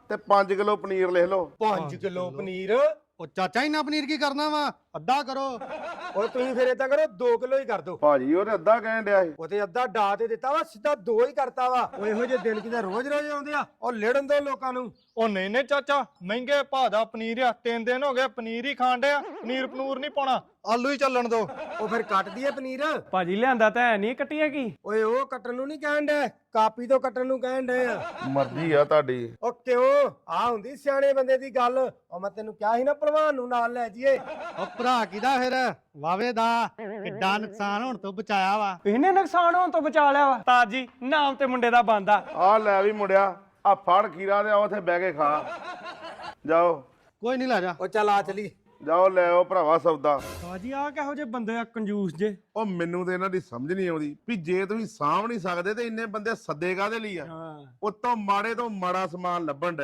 ਤੇ 5 ਕਿਲੋ ਪਨੀਰ ਲਿਖ ਲਓ। 5 ਕਿਲੋ ਪਨੀਰ। ਉਹ ਚਾਚਾ ਇੰਨਾ ਪਨੀਰ ਕੀ ਕਰਨਾ ਵਾ? ਅੱਧਾ ਕਰੋ। ਓਏ ਤੁਸੀਂ ਫਿਰ ਏਦਾਂ ਕਰੋ 2 ਕਿਲੋ ਹੀ ਕਰ ਦੋ। ਭਾਜੀ ਉਹਨੇ ਅੱਧਾ ਕਹਿਣ ਡਿਆ ਸੀ। ਉਹ ਤੇ ਅੱਧਾ ਡਾ ਤੇ ਦਿੱਤਾ ਵਾ, ਸਿੱਧਾ 2 ਹੀ ਕਰਤਾ ਵਾ। ਉਹ ਇਹੋ ਜਿਹੇ ਦਿਨ ਕਿਤੇ ਰੋਜ਼ ਰੋਜ਼ ਆਉਂਦੇ ਆ। ਉਹ ਲੜਨ ਦੋ ਲੋਕਾਂ ਨੂੰ। ਉਹ ਨਹੀਂ ਨਹੀਂ ਚਾਚਾ, ਮਹਿੰਗੇ ਭਾਅ ਦਾ ਪਨੀਰ ਆ। 3 ਦਿਨ ਹੋ ਗਏ ਪਨੀਰ ਹੀ ਖਾਣ ਡਿਆ। ਪਨੀਰ ਪਨੂਰ ਨਹੀਂ ਪਾਉਣਾ, ਆਲੂ ਹੀ ਚੱਲਣ ਦੋ। ਉਹ ਫਿਰ ਕੱਟ ਦਈਏ ਪਨੀਰ। ਭਾਜੀ ਲਿਆਂਦਾ ਤਾਂ ਹੈ ਨਹੀਂ, ਕੱਟੀਆਂ ਕੀ? ਓਏ ਉਹ ਕੱਟਣ ਨੂੰ ਨਹੀਂ ਕਹਿਣ ਡੇ, ਕਾਪੀ ਤੋਂ ਕੱਟਣ ਨੂੰ ਕਹਿਣ ਡੇ ਆ। ਮਰਜ਼ੀ ਆ ਤੁਹਾਡੀ। ਉਹ ਕਿਉਂ? ਆ ਹੁੰਦੀ ਸਿਆਣੇ ਬੰਦੇ ਦੀ ਗੱਲ। ਉਹ ਮੈਂ ਤੈਨੂੰ ਕਿਹਾ ਸੀ ਨਾ ਭਲਵਾਨ ਨੂੰ ਨਾਲ ਲੈ ਜਾਈਏ। ਉਹ ਭਰਾ ਕਿਦਾ ਫਿਰ? ਵਾਵੇ ਦਾ ਕਿੱਡਾ ਨੁਕਸਾਨ ਹੋਣ ਤੋਂ ਬਚਾਇਆ ਵਾ। ਇਹਨੇ ਨੁਕਸਾਨ ਹੋਣ ਤੋਂ ਬਚਾ ਲਿਆ ਵਾ। ਤਾਜ ਜੀ ਨਾਮ ਤੇ ਮੁੰਡੇ ਦਾ ਬੰਦਾ। ਆ ਲੈ ਵੀ ਮੁੰਡਿਆ, ਆ ਫੜ ਖੀਰਾ ਤੇ ਆ ਉੱਥੇ ਬਹਿ ਕੇ ਖਾ। ਜਾਓ ਕੋਈ ਨਹੀਂ, ਲੈ ਜਾ। ਉਹ ਚੱਲ ਆ ਚਲੀ। ਜਾਓ ਲੈ ਆਓ ਭਰਾਵਾ ਸੌਦਾ। ਤਾਜੀ ਆ ਕਿਹੋ ਜਿਹੇ ਬੰਦੇ ਆ, ਕੰਜੂਸ ਜੇ। ਉਹ ਮੈਨੂੰ ਤੇ ਇਹਨਾਂ ਦੀ ਸਮਝ ਨਹੀਂ ਆਉਂਦੀ ਵੀ ਜੇ ਤੁਸੀਂ ਸਾਂਭ ਨਹੀਂ ਸਕਦੇ ਤੇ ਇੰਨੇ ਬੰਦੇ ਸੱਦੇ ਕਾਹਦੇ ਲਈ ਆ। ਉਤੋਂ ਮਾੜੇ ਤੋਂ ਮਾੜਾ ਸਮਾਨ ਲੱਭਣ